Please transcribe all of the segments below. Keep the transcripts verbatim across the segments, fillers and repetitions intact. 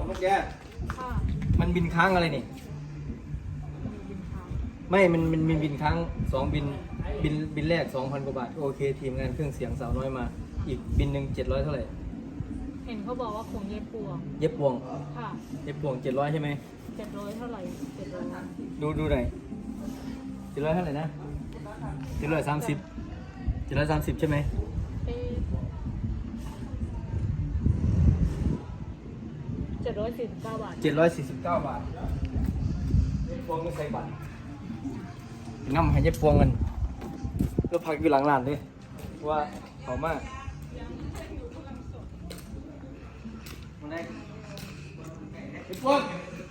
นกแกค่ะมันบินค้างอะไรนี่บินทางไม่มันมันมีบินค้างสองบินบินบินแรกสองพันกว่าบาทโอเคทีมงานเครื่องเสียงสาวน้อยมา อีกบินหนึ่งเจ็ดร้อยเท่าไหร่เห็นเขาบอกว่าคงเย็บปวงเย็บพวงค่ะเย็บพวงเจ็ดร้อยใช่ไหมเจ็ดร้อยเท่าไหร่เจ็ดร้อยดูดูหน่อยเจ็ดร้อยเท่าไหร่นะเจ็ดร้อยสามสิบเจ็ดร้อยสามสิบใช่ไหมเอ๊ะเจ็ดร้อยสี่สิบเก้าบาทเจ็ดร้อยสี่สิบเก้าบาทเย็บพวงไม่ใส่บัตรง่ำให้เย็บพวงกันแล้วพักอยู่หลังร้านเลยว่าเขามากมาได้เย็บพวง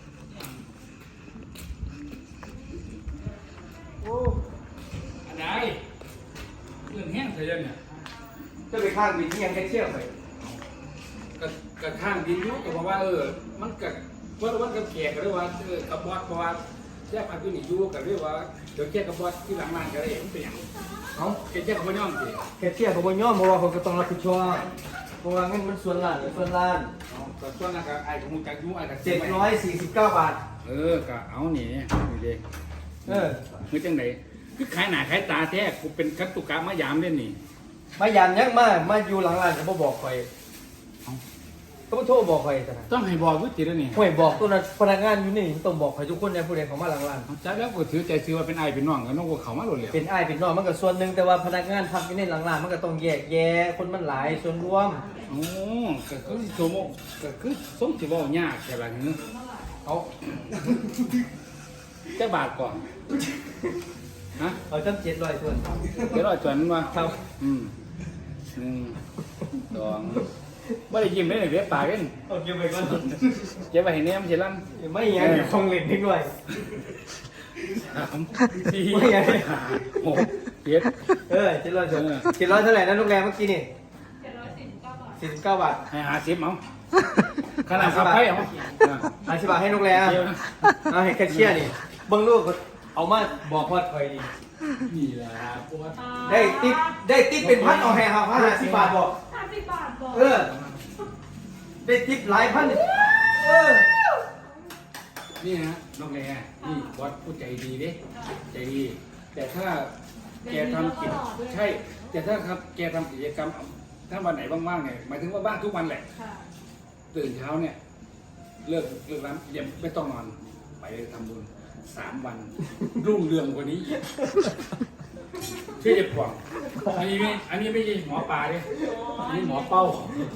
โอ้อันไหนเรื่องแห้งเสียเนี่ยจะไปข้างบินที่ยังแค่เชี่ยวไปกระกระข้างดินอยุก็เพราะว่าเออมันกับเพราะว่ากับแขกก็เรียกว่าเออกับบอสเพราะว่าแยกพันธุ์นี่อยู่ก็เรียกว่าเดี๋ยวแยกกับบอสที่หลังบ้านก็ได้มันเป็นอย่างเขาแกแยกกับพ่อย่อมสิแค่เชี่ยวเขาบนย่อมเพราะว่าเขาก็ต้องรับผิดชอบเพราะว่าเงินมันส่วนล้านหรือส่วนล้านเอาแต่ส่วนนั้นก็ไอ้ของมึงจากยูไอ้กับเจ็ดร้อยสี่สิบเก้าบาทเออก็เอาหนีนี่เด้เออคือจังไหนคือขายหน้าขายตาแท้กูเป็นกัตตุกะมายามเล่นนี่มายามยังมามาอยู่หลังร้านเขาบ่บอกใครเขาบ่โทรบอกใครแต่นะต้องให้บอกวิจิตรนี่ห่วยบอกตัวนั้นพนักงานอยู่นี่ต้องบอกใครทุกคนในผู้ใดเขามาหลังร้านจ้าแล้วก็ถือใจซื้อว่าเป็นไอ้เป็นน้องกันน้องกูเขามาหลุดเลยเป็นอ้ายเป็นน้องมันก็ส่วนหนึ่งแต่ว่าพนักงานพักอยู่ในหลังร้านมันก็ต้องแยกแยะคนมันหลายส่วนรวมโอ้ก็คือสมก็คือสมสิบ่ยากใช่ป่ะเนื้อเอาจะบาทก่อน ฮะเอาจังเจ็ดร้อยส่วนเดี๋ยวเราจวนมาครับอืมหนึ่งสองไม่ได้ยิ้มได้เลยเดี๋ยวปากเล่นเอาเก็บไปก่อนเจ็บไปเห็นเนี่ยมันจะลั่นไม่อยังอยู่คงเล่นนิดหน่อยสามสี่ไม่ไงห้าหกเจ็ดเออเจ็ดร้อยส่วนเจ็ดร้อยเท่าไหร่นะโรงแรมเมื่อกี้นี่เจ็ดร้อยสี่สิบเก้าบาทสี่สิบเก้าบาทให้หาสิบเอาขนาดขับไปเอาอธิบายให้โรงแรมเอาให้แคชเชียร์นี่เบิ้งลูกเอามาบอกว่าคอยดีนี่แหละปวดได้ติ๊บได้ติ๊บเป็นพันเอาให้ครับห้าสิบบาทบอกห้าสิบบาทบอกเออ ได้ติ๊บหลายพันเออนี่นะน้องแร่นี่วัดผู้ใจดีเด้ใจดี แต่ถ้าแกทำกิจใช่ แต่ถ้าครับแกทำกิจกรรมถ้าวันไหนว่างๆเนี่ยหมายถึงว่าบ้านทุกวันแหละค่ะตื่นเช้าเนี่ยเลิกเลิกร้านยังไม่ต้องนอนไปทำบุญสามวัน รุ่งเรืองกว่านี้อีกชื่อเจ็บปวดอันนี้ไม่อันนี้ไม่ใช่หมอปลาเลยอันนี้หมอเป้า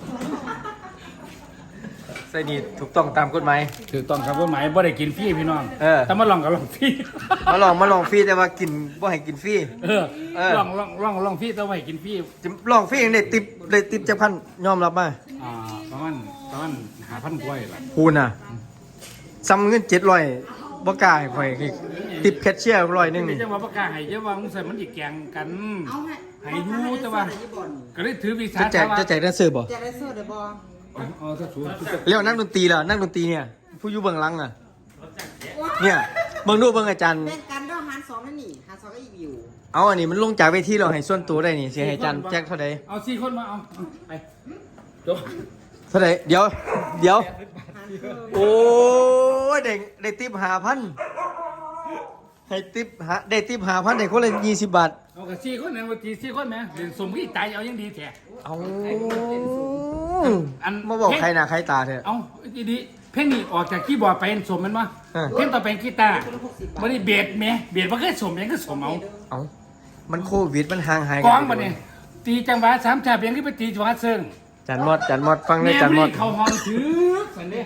ใส่นี่ถูกต้องตามกฎหมายถือต้องครับว่าหมายบ่ได้กินฟรีพี่น้องเออแต่มาลองกับลองฟรีมาลองมาลองฟรีแต่ว่ากินบ่ให้กินฟรีเออเออลองลองลองลองฟรีแต่ว่าให้กินฟรีลองฟรีเองได้ติ๊บได้ติ๊บจากพันยอมรับมาอ่าประมาณประมาณหาพันกล้วยละคูณน่ะซ้ำเงินเจ็ดร้อยบ่กล้าให้ข่อยอีกติ๊บแคชเชียร์ร้อยหนึงนี่นี่จะมาประกาศให้เยอะว่ามึงใส่มันอีกแกงกันให้ยูแต่ว่าก็เลยถือวิสาจะแจกจะแจกแดนเซอร์บ่จะได้สู้ได้บ่อ๋อถ้าสูงแล้วนักดนตรีล่ะนักดนตรีเนี่ยผู้อยู่เบื้องหลังอ่ะเนี่ยเบิ่งดูเบิ่งอาจารย์เป็นการเล่าหารสองนั่นนี่หารสองก็อีกอยู่เอาอันนี้มันลงจากเวทีเราให้ส่วนตัวได้นี่เสียให้อาจารย์แจ็คเท่าใดเอาสี่คนมาเอาไปจบเท่าใดเดี๋ยวเดี๋ยวหารเพิ่มโอ้ยได้ได้ติ๊บห้าพันให้ติ๊บหาได้ติ๊บห้าพันได้คนละยี่สิบบาทเอากับสี่คนเนี่ยวันที่สี่คนไหมเรียนสมกี่ตายเอายังดีแท้เอาอันมาบอกใครหน้าใครตาเถอะเอาดีดีเพลงนี้ออกจากคีย์บอร์ดไปเป็นสมมันวะเออเพลงต่อไปกีตาร์วันนี้เบสไหมเบสมันก็สมยังก็สมเอาเอามันโควิดมันห่างหายกองมาเนี่ยตีจังหวะสามชาเพียงที่ไปตีจังหวะเซิงจันมอดจันมอดฟังเลยแม่จันมไม่อดเขาห้องถือสันเด้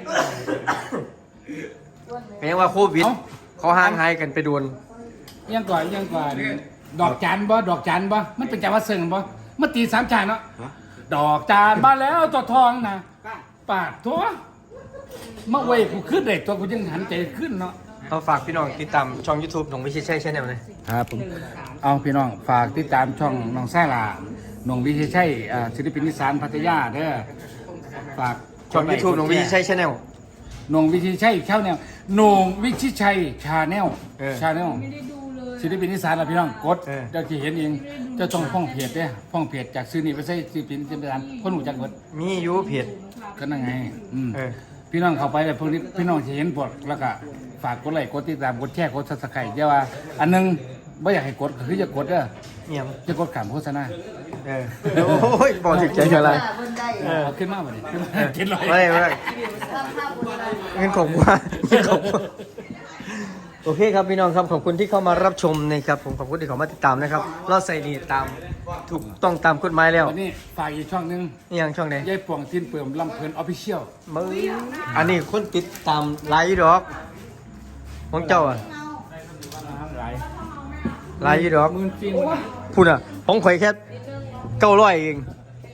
เป็นยังว่าโควิดเอ้าเขาห่างหายกันไปโดนยังก่อนยังก่อนดอกจันบ่ดอกจันบ่มันเป็นจังหวะเซิงบ่มันตีสามชาเนาะดอกจานมาแล้วตัวทองนะปาดตัวมาเว้ยกูขึ้นเลยตัวกูยังหันใจขึ้นเนาะเราฝากพี่น้องติดตามช่อง YouTube ของวิชิตชัยชาแนลเลยครับผมเอาพี่น้องฝากติดตามช่องน้องแซ่ลาน้องวิชัยชัยอ่าศิลปินนิสานพัทยาเด้อฝากช่อง YouTube ของวิชิตชัยชาแนลน้องวิชัยชัยชาแนลน้องวิชัยชัยชาแนลเออชาแนลไม่ได้ดูเลยศิลปินนิสานล่ะพี่น้องกดเออเดี๋ยวจะเห็นเองเจะต้องพ้องเพจเด้อพ้องเพจจากซื้อนี่ไปใส่ศิลปินนิสานคนหูจักหมดมีอยูเพจก็นั่นไงอืมเออพี่น้องเข้าไปเลยพวกนี้พี่น้องจะเห็นบทแล้วก็ฝากกดไลค์กดติดตามกดแชร์กดซับสไครต์เดี๋ยวว่าอันหนึงไม่อยากให้กดก็คือจะกดเด้อเนี่ยจะกดขามโฆษณาเออโอ้ยบอกถึงใจอะไรบนได้เออเอาขึ้นมาบ่นี่ขึ้นมาเจ็ดร้อยไม่ไม่ทำท่าบนได้เงินของว่าเงินของว่าโอเคครับพี่น้องครับขอบคุณที่เข้ามารับชมนะครับผมขอบคุณที่เข้ามาติดตามนะครับเราใส่นี่ตามถูกต้องตามกฎหมายแล้ววันนี้ฝากอีกช่องหนึงนี่ยังช่องไหนยายป่วงสิ้นเปลือมลำเพลินออฟฟิเชียลมึงอันนี้คนติดตามไลฟ์ดอกของเจ้าอ่ะหลายไลฟ์ดอกหมื่นฟินพูดอ่ะของข่อยแค่เก้าร้อยเอง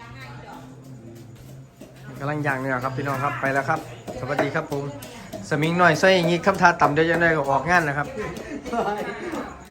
กำลังย่างเนี่ยครับพี่น้องครับไปแล้วครับ สวัสดีครับผมสมิงหน่อยใส่อย่างงี้คำทาต่ำเดี๋ยวจะได้ออกงานนะครับ